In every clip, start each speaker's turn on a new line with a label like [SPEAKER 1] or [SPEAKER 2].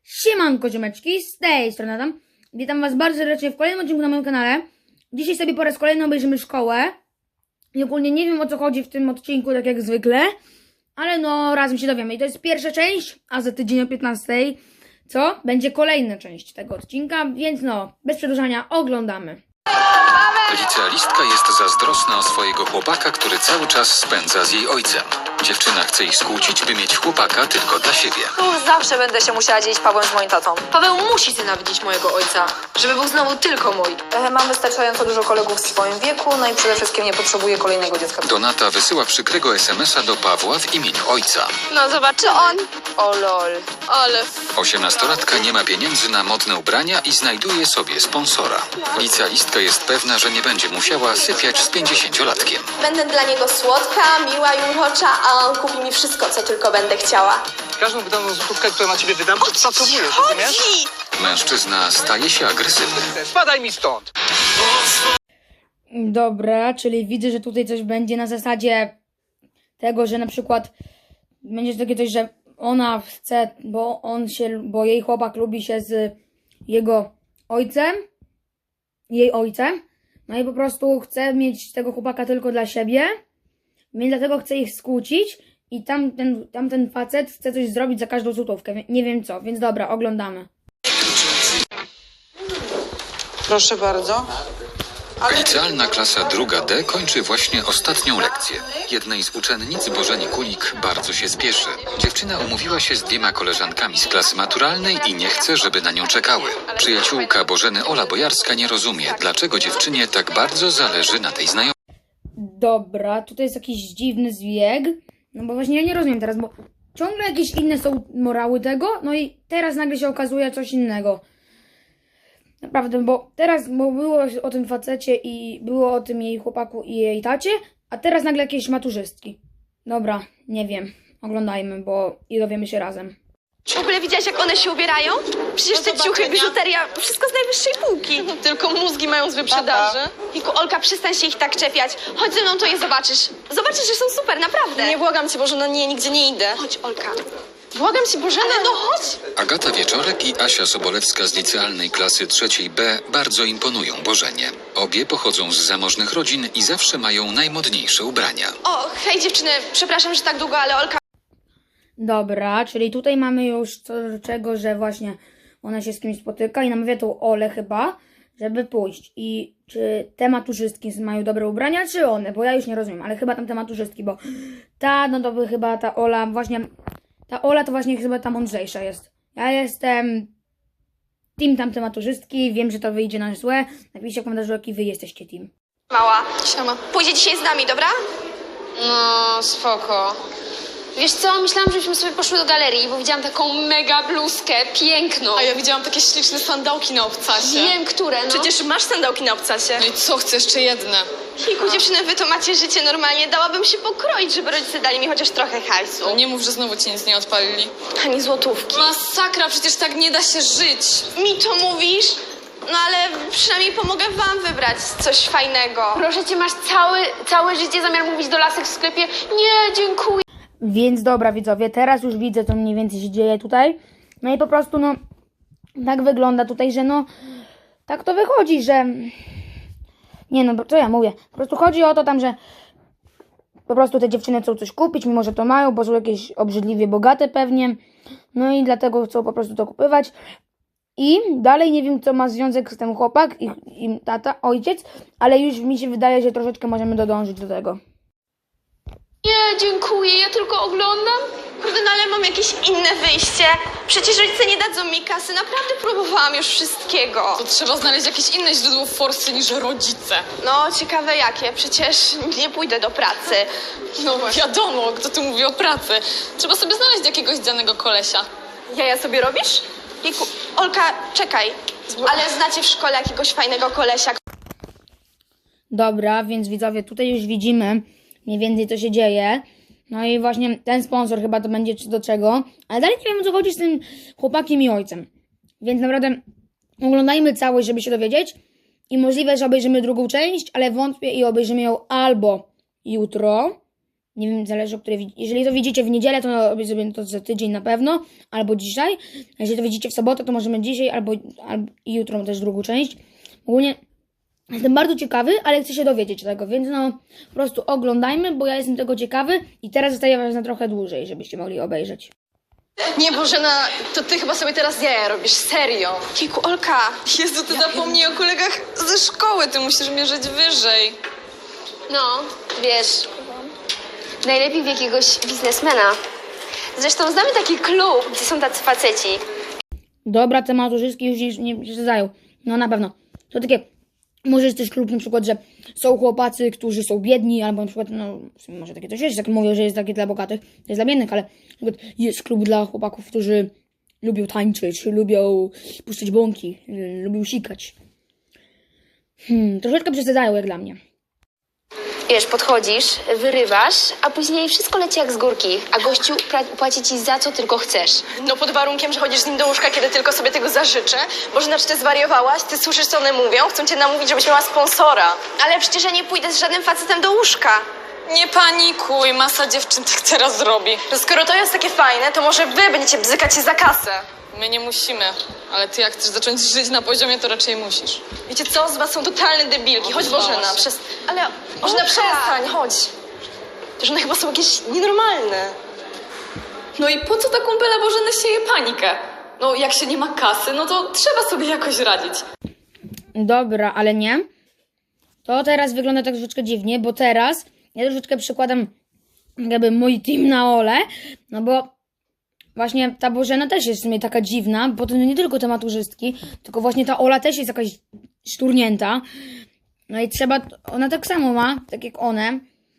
[SPEAKER 1] Siemanko ziomeczki, z tej strony Adam. Witam was bardzo serdecznie w kolejnym odcinku na moim kanale. Dzisiaj sobie po raz kolejny obejrzymy szkołę. I ogólnie nie wiem, o co chodzi w tym odcinku, tak jak zwykle, ale no razem się dowiemy. I to jest pierwsza część, a za tydzień o 15, co? Będzie kolejna część tego odcinka, więc no, bez przedłużania oglądamy.
[SPEAKER 2] Licealistka jest zazdrosna o swojego chłopaka, który cały czas spędza z jej ojcem. Dziewczyna chce ich skłócić, by mieć chłopaka tylko dla siebie.
[SPEAKER 3] Już zawsze będę się musiała dzielić Pawłem z moim tatą.
[SPEAKER 4] Paweł musi znienawidzić mojego ojca, żeby był znowu tylko mój.
[SPEAKER 3] Mam wystarczająco dużo kolegów w swoim wieku, no i przede wszystkim nie potrzebuję kolejnego dziecka.
[SPEAKER 2] Donata wysyła przykrego SMS-a do Pawła w imieniu ojca.
[SPEAKER 4] No zobaczy on. O lol. Ale...
[SPEAKER 2] 18-latka nie ma pieniędzy na modne ubrania i znajduje sobie sponsora. Licealistka jest pewna, że nie będzie musiała sypiać z 50-latkiem.
[SPEAKER 5] Będę dla niego słodka, miła i urocza, a on kupi mi wszystko, co tylko będę chciała.
[SPEAKER 6] Każdą wydaną złotówkę, którą na ciebie wydam, odszacowujesz, rozumiesz?
[SPEAKER 2] Mężczyzna staje się agresywny.
[SPEAKER 6] Spadaj mi stąd!
[SPEAKER 1] Dobra, czyli widzę, że tutaj coś będzie na zasadzie tego, że na przykład będzie takie coś, że ona chce, bo jej chłopak lubi się z jego ojcem, jej ojcem, no i po prostu chce mieć tego chłopaka tylko dla siebie, więc dlatego chce ich skłócić i tamten facet chce coś zrobić za każdą złotówkę, nie wiem co, więc dobra, oglądamy.
[SPEAKER 3] Proszę bardzo.
[SPEAKER 2] Licealna klasa druga D kończy właśnie ostatnią lekcję. Jednej z uczennic, Bożeni Kulik, bardzo się spieszy. Dziewczyna umówiła się z 2 koleżankami z klasy maturalnej i nie chce, żeby na nią czekały. Przyjaciółka Bożeny, Ola Bojarska, nie rozumie, dlaczego dziewczynie tak bardzo zależy na tej znajomej.
[SPEAKER 1] Dobra, tutaj jest jakiś dziwny zbieg, no bo właśnie ja nie rozumiem teraz, bo ciągle jakieś inne są morały tego, no i teraz nagle się okazuje coś innego. Naprawdę, bo było o tym facecie i było o tym jej chłopaku i jej tacie, a teraz nagle jakieś maturzystki. Dobra, nie wiem, oglądajmy, bo i dowiemy się razem.
[SPEAKER 5] W ogóle widziałaś, jak one się ubierają? Przecież te ciuchy, biżuteria, wszystko z najwyższej półki.
[SPEAKER 4] Tylko mózgi mają z wyprzedaży.
[SPEAKER 5] Wiku, Olka, przestań się ich tak czepiać. Chodź ze mną, to je zobaczysz. Zobaczysz, że są super, naprawdę.
[SPEAKER 4] Nie błagam cię, Boże, no nie, nigdzie nie idę.
[SPEAKER 5] Chodź, Olka.
[SPEAKER 4] Błagam cię, Boże,
[SPEAKER 5] No chodź.
[SPEAKER 2] Agata Wieczorek i Asia Sobolewska z licealnej klasy trzeciej B bardzo imponują Bożenie. Obie pochodzą z zamożnych rodzin i zawsze mają najmodniejsze ubrania.
[SPEAKER 5] O, hej dziewczyny, przepraszam, że tak długo, ale Olka
[SPEAKER 1] Dobra, czyli tutaj mamy już co do czego, że właśnie ona się z kimś spotyka i namawia tą Olę chyba, żeby pójść. I czy te maturzystki mają dobre ubrania, czy one? Bo ja już nie rozumiem, ale chyba tam te maturzystki, bo no to by chyba ta Ola właśnie... Ta Ola to właśnie chyba ta mądrzejsza jest. Ja jestem team tamte maturzystki, wiem, że to wyjdzie na złe. Napiszcie w komentarzu, jaki wy jesteście team.
[SPEAKER 5] mała.
[SPEAKER 4] Siema.
[SPEAKER 5] Pójdzie dzisiaj z nami, dobra?
[SPEAKER 4] No, spoko. Wiesz co, myślałam, żebyśmy sobie poszły do galerii, bo widziałam taką mega bluzkę, piękną.
[SPEAKER 7] A ja widziałam takie śliczne sandałki na obcasie.
[SPEAKER 5] Wiem, które, no.
[SPEAKER 7] Przecież masz sandałki na obcasie. No i co, chcę jeszcze jedne?
[SPEAKER 5] Hiku, dziewczyny, wy to macie życie normalnie. Dałabym się pokroić, żeby rodzice dali mi chociaż trochę hajsu.
[SPEAKER 7] No nie mów, że znowu ci nic nie odpalili.
[SPEAKER 5] Ani złotówki.
[SPEAKER 7] Masakra, przecież tak nie da się żyć.
[SPEAKER 5] Mi to mówisz? No ale przynajmniej pomogę wam wybrać coś fajnego.
[SPEAKER 4] Proszę cię, masz całe życie zamiar mówić do lasek w sklepie? Nie, dziękuję.
[SPEAKER 1] Więc dobra widzowie, teraz już widzę, co mniej więcej się dzieje tutaj. No i po prostu no, tak wygląda tutaj, że no, tak to wychodzi, że... Nie no, bo co ja mówię? Po prostu chodzi o to tam, że po prostu te dziewczyny chcą coś kupić, mimo że to mają, bo są jakieś obrzydliwie bogate pewnie. No i dlatego chcą po prostu to kupywać. I dalej nie wiem, co ma związek z tym chłopak i tata, ojciec, ale już mi się wydaje, że troszeczkę możemy dodążyć do tego.
[SPEAKER 4] Nie, dziękuję, ja tylko oglądam.
[SPEAKER 5] Kurde, no ale mam jakieś inne wyjście. Przecież rodzice nie dadzą mi kasy. Naprawdę próbowałam już wszystkiego.
[SPEAKER 7] To trzeba znaleźć jakieś inne źródło forsy niż rodzice.
[SPEAKER 5] No, ciekawe jakie. Przecież nie pójdę do pracy.
[SPEAKER 7] No wiadomo, kto tu mówi o pracy. Trzeba sobie znaleźć jakiegoś danego kolesia.
[SPEAKER 5] Jaja sobie robisz? Jejku, Olka, czekaj. Ale znacie w szkole jakiegoś fajnego kolesia?
[SPEAKER 1] Dobra, więc widzowie, tutaj już widzimy mniej więcej, co się dzieje. No i właśnie ten sponsor chyba to będzie do czego. Ale dalej nie wiem, o co chodzi z tym chłopakiem i ojcem. Więc naprawdę oglądajmy całość, żeby się dowiedzieć. I możliwe, że obejrzymy drugą część, ale wątpię i obejrzymy ją albo jutro, Nie wiem, zależy o której. Jeżeli to widzicie w niedzielę, to robię sobie to za tydzień na pewno, albo dzisiaj. A jeżeli to widzicie w sobotę, to możemy dzisiaj, albo i jutro też drugą część. Ogólnie jestem bardzo ciekawy, ale chcę się dowiedzieć tego, więc no po prostu oglądajmy, bo ja jestem tego ciekawy i teraz zostaję was na trochę dłużej, żebyście mogli obejrzeć.
[SPEAKER 7] Nie, Bożena, to ty chyba sobie teraz jaja robisz, serio.
[SPEAKER 5] Kiku, Olka,
[SPEAKER 7] Jezu, ty zapomnij o kolegach ze szkoły, ty musisz mierzyć wyżej.
[SPEAKER 4] No, wiesz, najlepiej w jakiegoś biznesmena. Zresztą znamy taki klub, gdzie są tacy faceci.
[SPEAKER 1] Dobra, te maturzyski już nie przesadzają. No na pewno. To takie, może jest też klub na przykład, że są chłopacy, którzy są biedni, albo na przykład, no w sumie może takie coś jest, jak mówią, że jest takie dla bogatych, to jest dla biednych, ale na przykład jest klub dla chłopaków, którzy lubią tańczyć, lubią puszczać bąki, lubią sikać. Troszeczkę przesadzają jak dla mnie.
[SPEAKER 4] Wiesz, podchodzisz, wyrywasz, a później wszystko leci jak z górki, a gościu płaci ci za co tylko chcesz.
[SPEAKER 5] no pod warunkiem, że chodzisz z nim do łóżka, kiedy tylko sobie tego zażyczę. Bożena, czy ty zwariowałaś? Ty słyszysz, co one mówią? Chcą cię namówić, żebyś miała sponsora. Ale przecież ja nie pójdę z żadnym facetem do łóżka.
[SPEAKER 7] Nie panikuj, masa dziewczyn tak teraz robi.
[SPEAKER 5] To skoro to jest takie fajne, to może wy będziecie bzykać się za kasę.
[SPEAKER 7] My nie musimy, ale ty jak chcesz zacząć żyć na poziomie, to raczej musisz.
[SPEAKER 5] Wiecie co? Z was są totalne debilki. Chodź,
[SPEAKER 7] Obudzała
[SPEAKER 5] Bożena,
[SPEAKER 7] się.
[SPEAKER 5] Ale Bożena, przestań, chodź. Że one chyba są jakieś nienormalne.
[SPEAKER 7] No i po co ta kumpela Bożeny sieje panikę? No jak się nie ma kasy, no to trzeba sobie jakoś radzić.
[SPEAKER 1] Dobra, ale nie. To teraz wygląda tak troszeczkę dziwnie, bo teraz ja troszeczkę przykładam jakby mój team na Olę, no bo właśnie ta Bożena też jest w sumie taka dziwna, bo to nie tylko te maturzystki, tylko właśnie ta Ola też jest jakaś szturnięta. No i trzeba, ona tak samo ma, tak jak one.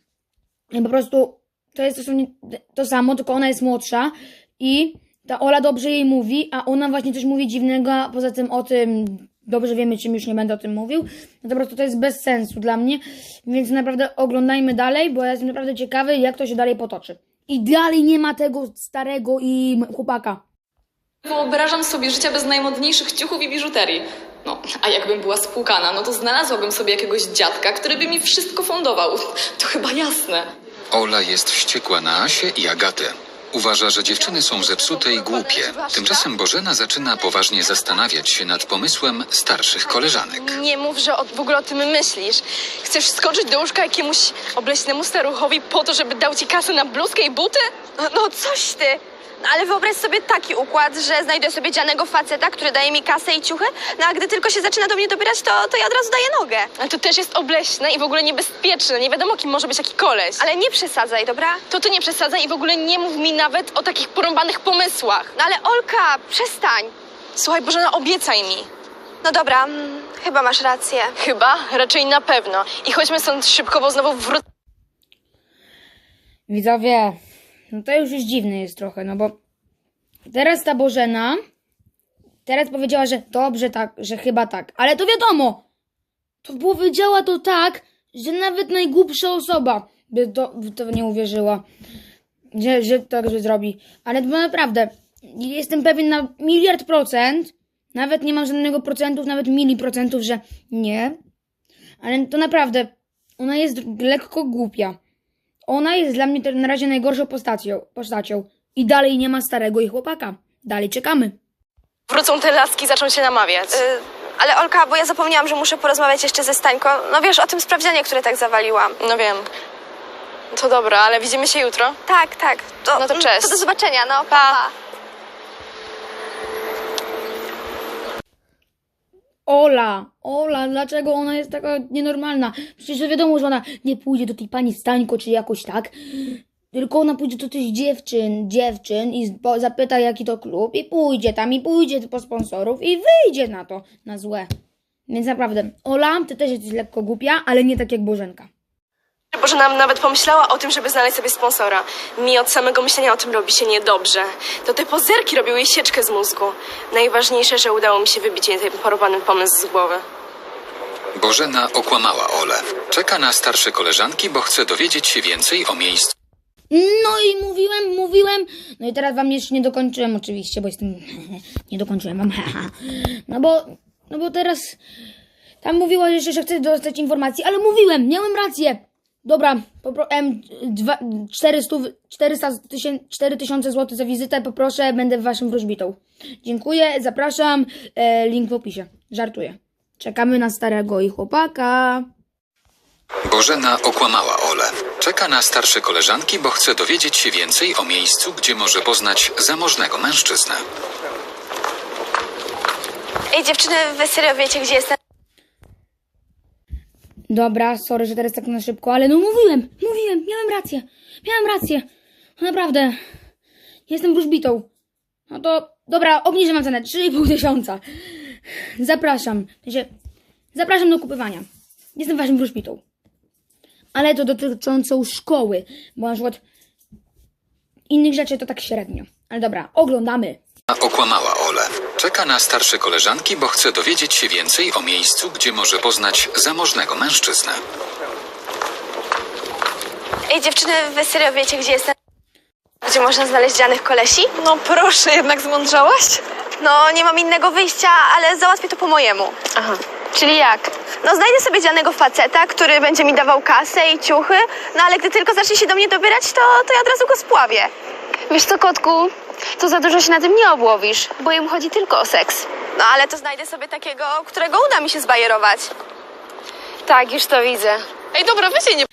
[SPEAKER 1] I po prostu to jest dosłownie to samo, tylko ona jest młodsza i ta Ola dobrze jej mówi, a ona właśnie coś mówi dziwnego, a poza tym o tym dobrze wiemy, czym już nie będę o tym mówił. No to po prostu to jest bez sensu dla mnie, więc naprawdę oglądajmy dalej, bo ja jestem naprawdę ciekawy, jak to się dalej potoczy. I dalej nie ma tego starego i chłopaka.
[SPEAKER 7] Wyobrażam sobie życia bez najmodniejszych ciuchów i biżuterii. No, a jakbym była spłukana, no to znalazłabym sobie jakiegoś dziadka, który by mi wszystko fundował. To chyba jasne.
[SPEAKER 2] Ola jest wściekła na Asię i Agatę. Uważa, że dziewczyny są zepsute i głupie. Tymczasem Bożena zaczyna poważnie zastanawiać się nad pomysłem starszych koleżanek.
[SPEAKER 5] Nie mów, że w ogóle o tym myślisz. Chcesz skoczyć do łóżka jakiemuś obleśnemu staruchowi po to, żeby dał ci kasę na bluzkę i buty? No coś ty. No, ale wyobraź sobie taki układ, że znajdę sobie dzianego faceta, który daje mi kasę i ciuchy, no a gdy tylko się zaczyna do mnie dobierać, to ja od razu daję nogę. Ale to też jest obleśne i w ogóle niebezpieczne. Nie wiadomo, kim może być taki koleś. Ale nie przesadzaj, dobra? To ty nie przesadzaj i w ogóle nie mów mi nawet o takich porąbanych pomysłach. No ale Olka, przestań. Słuchaj, Bożena, obiecaj mi. No dobra, chyba masz rację. Chyba? Raczej na pewno. I chodźmy stąd szybko, bo znowu wrócę.
[SPEAKER 1] Widzowie, no to już dziwne jest trochę, no bo teraz ta Bożena teraz powiedziała, że dobrze tak, że chyba tak, ale to wiadomo, to powiedziała to tak, że nawet najgłupsza osoba by w to nie uwierzyła, że tak że zrobi, ale to naprawdę jestem pewien na 1,000,000%, nawet nie mam żadnego procentów, nawet miliprocentów, że nie, ale to naprawdę, ona jest lekko głupia. Ona jest dla mnie na razie najgorszą postacią. I dalej nie ma starego i chłopaka. Dalej czekamy.
[SPEAKER 5] Wrócą te laski, zaczną się namawiać. Ale Olka, bo ja zapomniałam, że muszę porozmawiać jeszcze ze Stańką. No wiesz, o tym sprawdzianie, które tak zawaliłam. No wiem. To dobra, ale widzimy się jutro? Tak. No to cześć. To do zobaczenia, no pa.
[SPEAKER 1] Ola, dlaczego ona jest taka nienormalna? Przecież to wiadomo, że ona nie pójdzie do tej pani Stańko, czy jakoś tak. Tylko ona pójdzie do tych dziewczyn i zapyta, jaki to klub i pójdzie tam i pójdzie po sponsorów i wyjdzie na to, na złe. Więc naprawdę, Ola, ty też jesteś lekko głupia, ale nie tak jak Bożenka.
[SPEAKER 5] Bożena nawet pomyślała o tym, żeby znaleźć sobie sponsora. Mi od samego myślenia o tym robi się niedobrze. To te pozerki robiły jej sieczkę z mózgu. Najważniejsze, że udało mi się wybić jej ten porwany pomysł z głowy.
[SPEAKER 2] Bożena okłamała Olę. Czeka na starsze koleżanki, bo chce dowiedzieć się więcej o miejscu.
[SPEAKER 1] No i mówiłem. No i teraz wam jeszcze nie dokończyłem oczywiście, bo jestem... nie dokończyłem wam. No bo teraz... Tam mówiła jeszcze, że chce dostać informacji, ale mówiłem, miałem rację. Dobra, 4000 zł za wizytę, poproszę, będę waszym wróżbitą. Dziękuję, zapraszam, link w opisie. Żartuję. Czekamy na starego i chłopaka.
[SPEAKER 2] Bożena okłamała Olę. Czeka na starsze koleżanki, bo chce dowiedzieć się więcej o miejscu, gdzie może poznać zamożnego mężczyznę.
[SPEAKER 5] Ej, dziewczyny, wy serio wiecie, gdzie jestem?
[SPEAKER 1] Dobra, sorry, że teraz tak na szybko, ale no mówiłem, miałem rację. No naprawdę, jestem wróżbitą. No to, dobra, obniżę wam cenę, 3500. Zapraszam do kupywania. Jestem waszym wróżbitą. Ale to dotyczącą szkoły, bo na przykład innych rzeczy to tak średnio. Ale dobra, oglądamy.
[SPEAKER 2] Okłamała Olę. Czeka na starsze koleżanki, bo chce dowiedzieć się więcej o miejscu, gdzie może poznać zamożnego mężczyznę.
[SPEAKER 5] Ej, dziewczyny, wy serio wiecie, gdzie jestem? Gdzie można znaleźć dzianych kolesi?
[SPEAKER 3] No proszę, jednak zmądrzałaś?
[SPEAKER 5] No, nie mam innego wyjścia, ale załatwię to po mojemu.
[SPEAKER 3] Aha, czyli jak?
[SPEAKER 5] No, znajdę sobie dzianego faceta, który będzie mi dawał kasę i ciuchy, no ale gdy tylko zacznie się do mnie dobierać, to ja od razu go spławię.
[SPEAKER 4] Wiesz co, kotku? To za dużo się na tym nie obłowisz, bo im chodzi tylko o seks.
[SPEAKER 5] No, ale to znajdę sobie takiego, którego uda mi się zbajerować.
[SPEAKER 4] Tak, już to widzę.
[SPEAKER 3] Ej, dobra, wy się nie...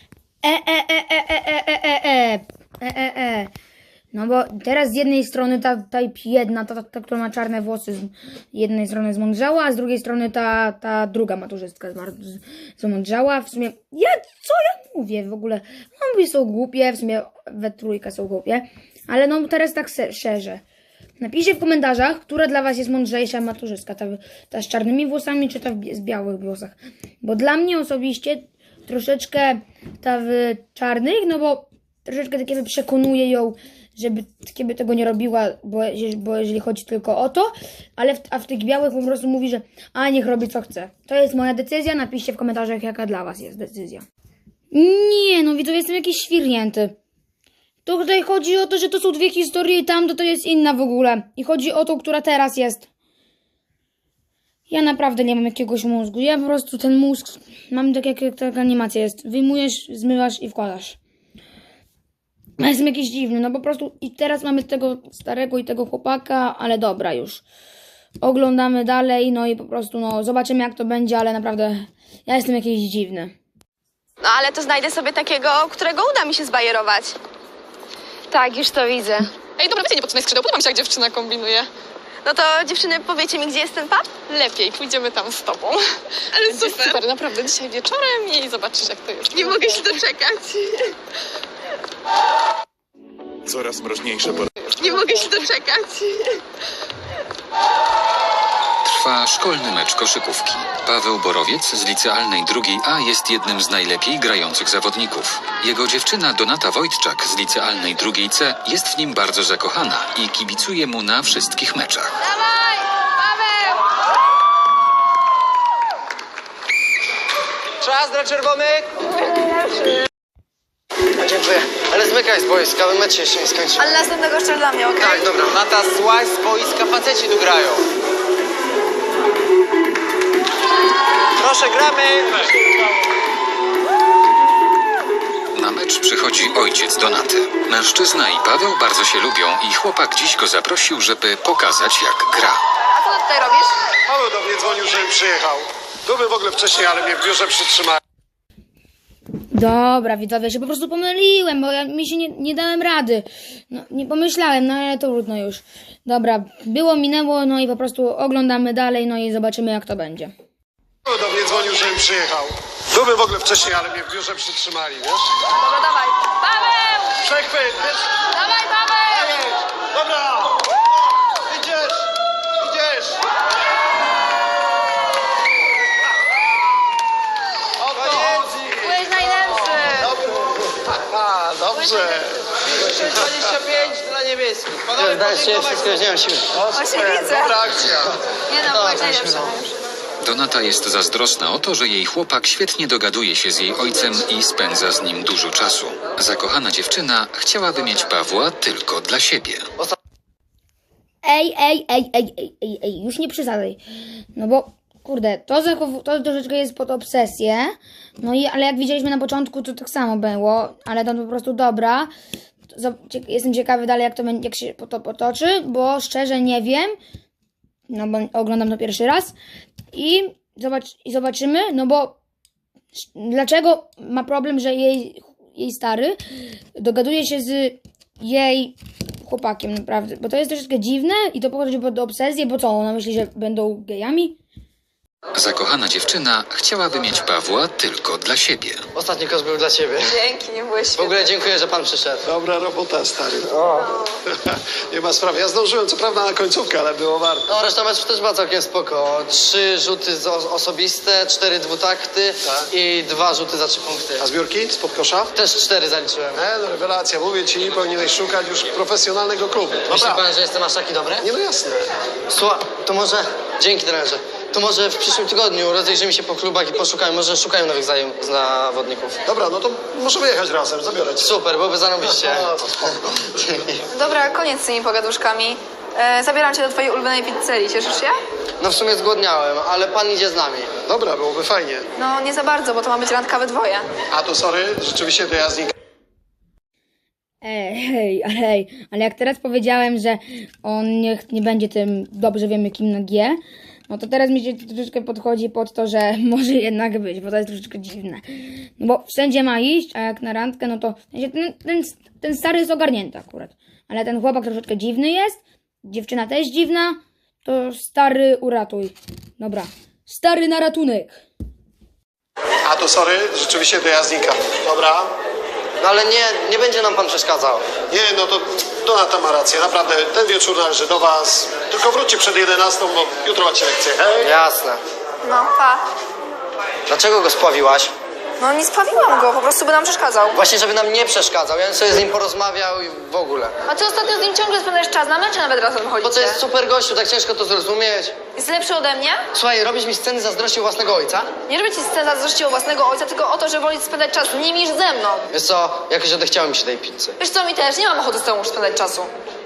[SPEAKER 1] No bo teraz z jednej strony ta jedna, ta, która ma czarne włosy, z jednej strony zmądrzała, a z drugiej strony ta druga maturzystka zmądrzała. W sumie, co ja mówię w ogóle? Obie są głupie, w sumie we trójkę są głupie, ale no teraz tak szerzej. Napiszcie w komentarzach, która dla was jest mądrzejsza maturzystka, ta z czarnymi włosami, czy ta z białych włosach. Bo dla mnie osobiście troszeczkę ta w czarnych, no bo troszeczkę tak jakby przekonuje ją, żeby tego nie robiła, bo jeżeli chodzi tylko o to, ale w tych białych po prostu mówi, że niech robi co chce. To jest moja decyzja, napiszcie w komentarzach, jaka dla was jest decyzja. Nie, no widzowie, jestem jakiś świrnięty. To tutaj chodzi o to, że to są dwie historie i tamto to jest inna w ogóle. I chodzi o tą, która teraz jest. Ja naprawdę nie mam jakiegoś mózgu. Ja po prostu ten mózg mam tak jak taka animacja jest. Wyjmujesz, zmywasz i wkładasz. Ja jestem jakiś dziwny, no po prostu i teraz mamy tego starego i tego chłopaka, ale dobra już. Oglądamy dalej, no i po prostu no zobaczymy jak to będzie, ale naprawdę ja jestem jakiś dziwny.
[SPEAKER 5] No, ale to znajdę sobie takiego, którego uda mi się zbajerować.
[SPEAKER 4] Tak, już to widzę.
[SPEAKER 3] Ej, dobra, wy się nie podcinaj skrzydeł, podoba mi się, jak dziewczyna kombinuje.
[SPEAKER 5] No to dziewczyny, powiecie mi, gdzie jest ten pub?
[SPEAKER 3] Lepiej, pójdziemy tam z tobą. Ale super. Super, naprawdę, dzisiaj wieczorem i zobaczysz, jak to jest.
[SPEAKER 5] Nie mogę się doczekać.
[SPEAKER 8] Coraz mroźniejsze pory.
[SPEAKER 5] Nie mogę się doczekać.
[SPEAKER 2] Trwa szkolny mecz koszykówki. Paweł Borowiec z licealnej 2A jest jednym z najlepiej grających zawodników. Jego dziewczyna Donata Wojtczak z licealnej 2C jest w nim bardzo zakochana i kibicuje mu na wszystkich meczach.
[SPEAKER 5] Dawaj, Paweł!
[SPEAKER 6] Czas dla czerwonych! Dziękuję. Ale zmykaj z boiska, bo mecz się jeszcze nie skończył.
[SPEAKER 5] Ale następnego jeszcze dla mnie, okej?
[SPEAKER 6] Tak, dobra. Nata, słuchaj, z boiska faceci tu grają. Proszę, gramy!
[SPEAKER 2] Na mecz przychodzi ojciec Donaty. Mężczyzna i Paweł bardzo się lubią i chłopak dziś go zaprosił, żeby pokazać jak gra.
[SPEAKER 5] A co ty tutaj robisz?
[SPEAKER 8] Paweł do mnie dzwonił, żebym przyjechał. Byłbym w ogóle wcześniej, ale mnie w biurze przytrzymali.
[SPEAKER 1] Dobra, widzowie, się po prostu pomyliłem, bo mi się nie dałem rady. No, nie pomyślałem, no ale to trudno już. Dobra, było, minęło, no i po prostu oglądamy dalej, no i zobaczymy jak to będzie.
[SPEAKER 8] Paweł do mnie dzwonił, żebym przyjechał. Byłbym w ogóle wcześniej, ale mnie w biurze przytrzymali, wiesz?
[SPEAKER 5] Dobra, dawaj. Paweł!
[SPEAKER 8] Przechwyt, wiesz?
[SPEAKER 5] Dawaj, Paweł!
[SPEAKER 8] Jedź! Dobra! Idziesz! Idziesz!
[SPEAKER 5] Byłeś najlepszy!
[SPEAKER 8] Dobrze!
[SPEAKER 6] 25 dla niebieskich. Panowie, wszystko wziąłem siłę.
[SPEAKER 5] Właśnie widzę.
[SPEAKER 8] Dobra akcja!
[SPEAKER 5] Nie no, byłeś najlepszy.
[SPEAKER 2] Donata jest zazdrosna o to, że jej chłopak świetnie dogaduje się z jej ojcem i spędza z nim dużo czasu. Zakochana dziewczyna chciałaby mieć Pawła tylko dla siebie.
[SPEAKER 1] Ej, już nie przesadzaj. No bo kurde, to troszeczkę jest pod obsesję. No i, ale jak widzieliśmy na początku, to tak samo było, ale to po prostu dobra. Jestem ciekawy dalej, jak się to potoczy, bo szczerze nie wiem. No bo oglądam to pierwszy raz. I zobaczymy, no bo dlaczego ma problem, że jej stary dogaduje się z jej chłopakiem, naprawdę. Bo to jest troszeczkę dziwne i to pochodzi pod obsesję, bo co, ona myśli, że będą gejami?
[SPEAKER 2] Zakochana dziewczyna chciałaby mieć Pawła tylko dla siebie.
[SPEAKER 6] Ostatni kos był dla ciebie.
[SPEAKER 5] Dzięki, nie byłeś
[SPEAKER 6] W ogóle dziękuję, że pan przyszedł.
[SPEAKER 8] Dobra robota, stary. Nie ma sprawy. Ja zdążyłem co prawda na końcówkę, ale było warto.
[SPEAKER 6] No, reszta meczu też była całkiem spoko. 3 rzuty osobiste, 4 dwutakty
[SPEAKER 8] Tak.
[SPEAKER 6] i 2 rzuty za 3 punkty.
[SPEAKER 8] A zbiórki spod kosza?
[SPEAKER 6] Też 4 zaliczyłem.
[SPEAKER 8] No rewelacja. Mówię ci, powinieneś szukać już profesjonalnego klubu.
[SPEAKER 6] Myśli
[SPEAKER 8] Naprawdę.
[SPEAKER 6] pan, że jestem aż taki dobry?
[SPEAKER 8] Nie, no jasne.
[SPEAKER 6] Słuchaj, to może... Dzięki, trenerze. To może w przyszłym tygodniu rozejrzymy się po klubach i poszukajmy. Może szukają nowych zawodników.
[SPEAKER 8] Dobra, no to możemy jechać razem. Zabiorę cię.
[SPEAKER 6] Super, byłoby zarobiście.
[SPEAKER 8] No, to spoko.
[SPEAKER 5] Dobra, koniec z tymi pogaduszkami. Zabieram cię do twojej ulubionej pizzerii, cieszysz się?
[SPEAKER 6] No w sumie zgłodniałem, ale pan idzie z nami.
[SPEAKER 8] Dobra, byłoby fajnie.
[SPEAKER 5] No nie za bardzo, bo to ma być randka we dwoje.
[SPEAKER 8] A to sorry, rzeczywiście to ja z nim.
[SPEAKER 1] Hej, ale jak teraz powiedziałem, że on nie będzie tym dobrze wiemy kim na G, no to teraz mi się troszeczkę podchodzi pod to, że może jednak być, bo to jest troszeczkę dziwne. No bo wszędzie ma iść, a jak na randkę, no to ten stary jest ogarnięty akurat. Ale ten chłopak troszeczkę dziwny jest, dziewczyna też dziwna, to stary uratuj. Dobra, stary na ratunek.
[SPEAKER 8] A to sorry, rzeczywiście to ja znikam. Dobra.
[SPEAKER 6] No ale nie będzie nam pan przeszkadzał.
[SPEAKER 8] Nie, no to Donata ma rację. Naprawdę, ten wieczór należy do was. Tylko wróćcie przed 11, bo jutro macie lekcję. Hej.
[SPEAKER 6] Jasne.
[SPEAKER 5] No, pa.
[SPEAKER 6] Dlaczego go spławiłaś?
[SPEAKER 5] No nie spawiłam go, po prostu by nam przeszkadzał.
[SPEAKER 6] Właśnie, żeby nam nie przeszkadzał. Ja bym sobie z nim porozmawiał i w ogóle.
[SPEAKER 5] A ty ostatnio z nim ciągle spędzasz czas na mecze, nawet razem
[SPEAKER 6] Bo
[SPEAKER 5] chodzicie.
[SPEAKER 6] to jest super gościu, tak ciężko to zrozumieć.
[SPEAKER 5] Jest lepszy ode mnie?
[SPEAKER 6] Słuchaj, robisz mi sceny zazdrości u własnego ojca?
[SPEAKER 5] Nie robię ci scen zazdrości o własnego ojca, tylko o to, że woli spędzać czas z nim niż ze mną.
[SPEAKER 6] Wiesz co, jakoś odechciało mi się tej pizzy.
[SPEAKER 5] Wiesz co, mi też nie mam ochoty z tobą już spędzać czasu.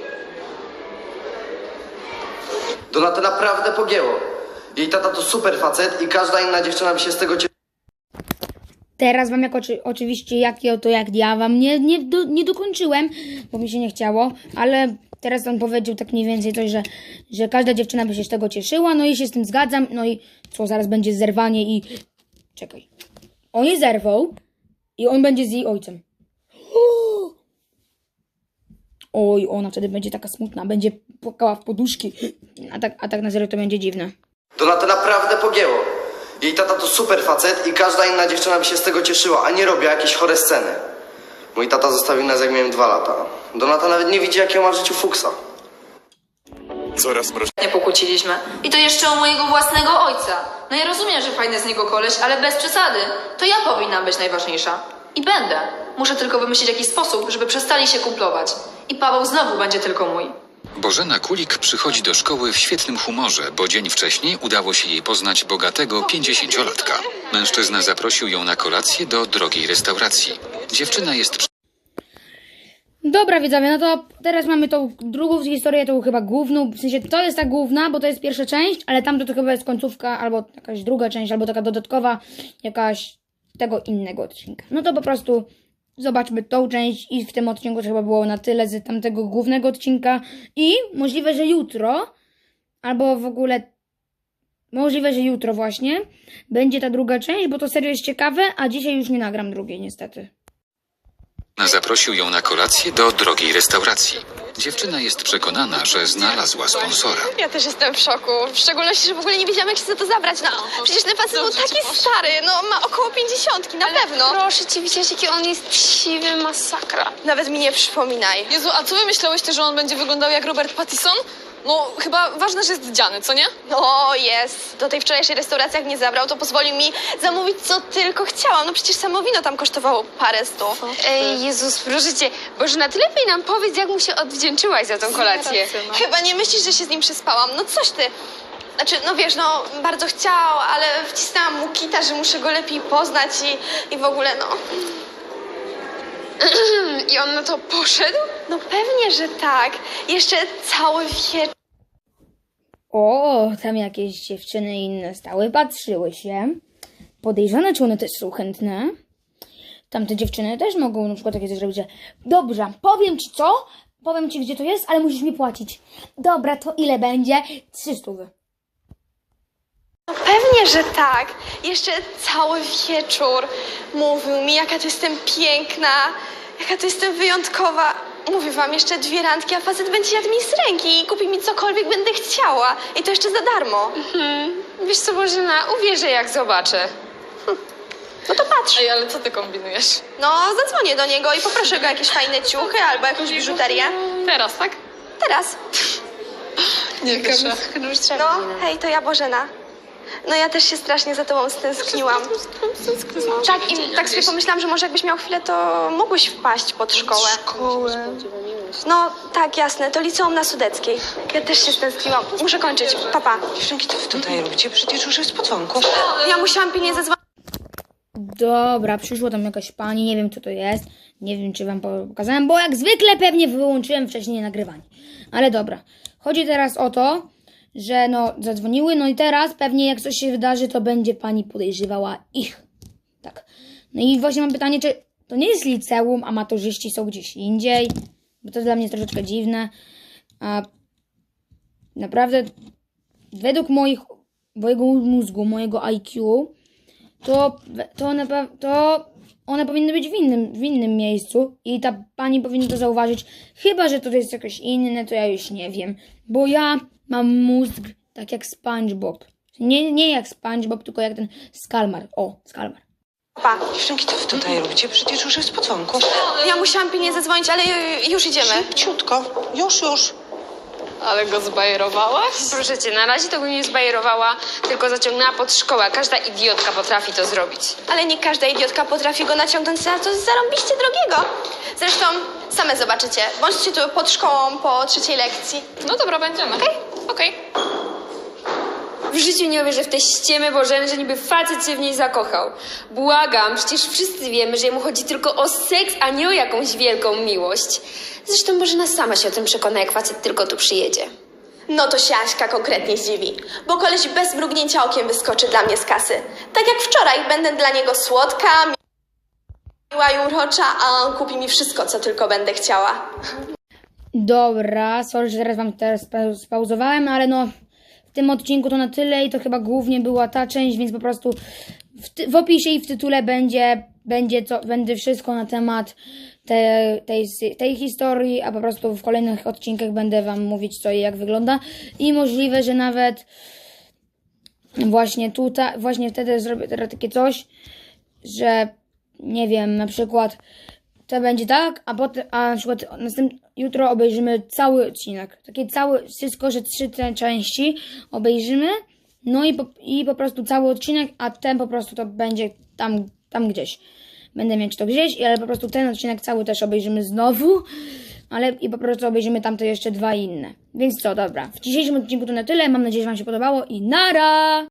[SPEAKER 6] Donatę naprawdę pogięło. Jej tata to super facet i każda inna dziewczyna by się z tego cieszyła.
[SPEAKER 1] Teraz wam oczywiście jak ja wam nie dokończyłem, bo mi się nie chciało, ale teraz on powiedział tak mniej więcej coś, że każda dziewczyna by się z tego cieszyła, no i się z tym zgadzam, no i co, zaraz będzie zerwanie i... Czekaj. On je zerwał i on będzie z jej ojcem. Oj, ona wtedy będzie taka smutna, będzie płakała w poduszki, a tak na serio to będzie dziwne.
[SPEAKER 6] Donatę naprawdę pogięło. Jej tata to super facet i każda inna dziewczyna by się z tego cieszyła, a nie robiła jakieś chore sceny. Mój tata zostawił nas jak miałem 2 lata. Donata nawet nie widzi, jakiego ma w życiu fuksa.
[SPEAKER 9] Coraz mroźniej.
[SPEAKER 5] Nie pokłóciliśmy. I to jeszcze o mojego własnego ojca. No ja rozumiem, że fajny z niego koleś, ale bez przesady. To ja powinnam być najważniejsza. I będę. Muszę tylko wymyślić jakiś sposób, żeby przestali się kumplować. I Paweł znowu będzie tylko mój.
[SPEAKER 2] Bożena Kulik przychodzi do szkoły w świetnym humorze, bo dzień wcześniej udało się jej poznać bogatego 50-latka. Mężczyzna zaprosił ją na kolację do drogiej restauracji. Dziewczyna jest
[SPEAKER 1] Dobra widzowie, no to teraz mamy tą drugą historię, tą chyba główną, w sensie to jest ta główna, bo to jest pierwsza część, ale tamto to chyba jest końcówka, albo jakaś druga część, albo taka dodatkowa, jakaś tego innego odcinka. No to po prostu zobaczmy tą część i w tym odcinku to chyba było na tyle z tamtego głównego odcinka i możliwe, że jutro, albo w ogóle możliwe, że jutro właśnie będzie ta druga część, bo to serio jest ciekawe, a dzisiaj już nie nagram drugiej niestety.
[SPEAKER 2] Zaprosił ją na kolację do drogiej restauracji. Dziewczyna jest przekonana, że znalazła sponsora.
[SPEAKER 3] Ja też jestem w szoku. W szczególności, że w ogóle nie wiedziałam, jak się za to zabrać. No, przecież ten facet był taki stary. No, ma około 50, na pewno.
[SPEAKER 4] Proszę cię, widziałeś, jaki on jest siwy, masakra.
[SPEAKER 3] Nawet mi nie przypominaj.
[SPEAKER 7] Jezu, a co wy myślałyście, że on będzie wyglądał jak Robert Pattinson? No, chyba ważne, że jest dziany, co nie?
[SPEAKER 3] No, jest. Do tej wczorajszej restauracji, jak mnie zabrał, to pozwolił mi zamówić, co tylko chciałam. No przecież samo wino tam kosztowało parę stów.
[SPEAKER 4] Ej, Jezus, proszę cię, Bożena, ty lepiej nam powiedz, jak mu się odwdzięczyłaś za tą kolację.
[SPEAKER 3] Chyba nie myślisz, że się z nim przespałam. No coś ty. Znaczy, no wiesz, no bardzo chciał, ale wcisnęłam mu kita, że muszę go lepiej poznać i w ogóle, no.
[SPEAKER 4] I on na to poszedł?
[SPEAKER 3] No pewnie, że tak. Jeszcze cały wieczór.
[SPEAKER 1] O, tam jakieś dziewczyny inne stały, patrzyły się. Podejrzane, czy one też są chętne? Tamte dziewczyny też mogą na przykład takie coś zrobić, że dobrze, powiem ci co? Powiem ci, gdzie to jest, ale musisz mi płacić. Dobra, to ile będzie? 300.
[SPEAKER 3] No pewnie, że tak. Jeszcze cały wieczór mówił mi, jaka to jestem piękna, jaka to jestem wyjątkowa. Mówię wam, jeszcze 2 randki, a facet będzie jadł mi z ręki i kupi mi cokolwiek będę chciała. I to jeszcze za darmo.
[SPEAKER 4] Wiesz co, Bożena, uwierzę jak zobaczę.
[SPEAKER 3] No to patrz.
[SPEAKER 7] Ej, ale co ty kombinujesz?
[SPEAKER 3] No, zadzwonię do niego i poproszę go o jakieś fajne ciuchy albo jakąś biżuterię.
[SPEAKER 7] Teraz, tak?
[SPEAKER 3] Teraz.
[SPEAKER 7] Nie wierzę.
[SPEAKER 3] No, hej, to ja Bożena. No ja też się strasznie za tobą stęskniłam. Tak, i tak sobie pomyślałam, że może jakbyś miał chwilę, to mógłbyś wpaść pod szkołę. No, tak, jasne, to liceum na Sudeckiej. Ja też się stęskniłam. Muszę kończyć. Papa.
[SPEAKER 10] Dziewczynki, to wy tutaj robicie? Przecież już jest po dzwonku.
[SPEAKER 3] Ja musiałam pilnie zadzwonić.
[SPEAKER 1] Dobra, przyszła tam jakaś pani, nie wiem co to jest. Nie wiem, czy wam pokazałem, bo jak zwykle pewnie wyłączyłem wcześniej nagrywanie. Ale dobra. Chodzi teraz o to, że no zadzwoniły, no i teraz pewnie jak coś się wydarzy, to będzie pani podejrzewała ich. Tak. No i właśnie mam pytanie, czy to nie jest liceum, a maturzyści są gdzieś indziej? Bo to dla mnie jest troszeczkę dziwne. A naprawdę według mojego mózgu, mojego IQ, to one powinny być w innym miejscu i ta pani powinna to zauważyć. Chyba że to jest jakoś inne, to ja już nie wiem. Bo ja mam mózg tak jak SpongeBob. Nie jak SpongeBob, tylko jak ten Skalmar. O, Skalmar.
[SPEAKER 3] Papa.
[SPEAKER 10] Dziewczynki, to wy tutaj robicie? Przecież już jest po dzwonku.
[SPEAKER 3] Ja musiałam pilnie zadzwonić, ale już idziemy.
[SPEAKER 10] Szybciutko. Już.
[SPEAKER 7] Ale go zbajerowałaś?
[SPEAKER 4] Proszę cię, na razie to go nie zbajerowała, tylko zaciągnęła pod szkołę. Każda idiotka potrafi to zrobić.
[SPEAKER 3] Ale nie każda idiotka potrafi go naciągnąć na coś zarąbiście drogiego. Zresztą same zobaczycie. Bądźcie tu pod szkołą po 3. lekcji.
[SPEAKER 7] No dobra, będziemy. Okej.
[SPEAKER 4] W życiu nie uwierzę w te ściemy Bożeny, że niby facet się w niej zakochał. Błagam, przecież wszyscy wiemy, że jemu chodzi tylko o seks, a nie o jakąś wielką miłość. Zresztą Bożena sama się o tym przekona, jak facet tylko tu przyjedzie.
[SPEAKER 3] No to się Aśka konkretnie zdziwi, bo koleś bez mrugnięcia okiem wyskoczy dla mnie z kasy. Tak jak wczoraj, będę dla niego słodka, miła i urocza, a on kupi mi wszystko, co tylko będę chciała.
[SPEAKER 1] Dobra, sorry, że teraz wam spauzowałem, ale no w tym odcinku to na tyle i to chyba głównie była ta część, więc po prostu w opisie i w tytule będzie wszystko na temat tej historii, a po prostu w kolejnych odcinkach będę wam mówić co i jak wygląda i możliwe, że nawet właśnie wtedy zrobię teraz takie coś, że nie wiem, na przykład to będzie tak, a na przykład jutro obejrzymy cały odcinek. Takie wszystko, że 3 te części obejrzymy, no i po prostu cały odcinek, a ten po prostu to będzie tam gdzieś. Będę mieć to gdzieś, ale po prostu ten odcinek cały też obejrzymy znowu, i po prostu obejrzymy tamte jeszcze 2 inne. Więc co, dobra. W dzisiejszym odcinku to na tyle. Mam nadzieję, że wam się podobało i nara!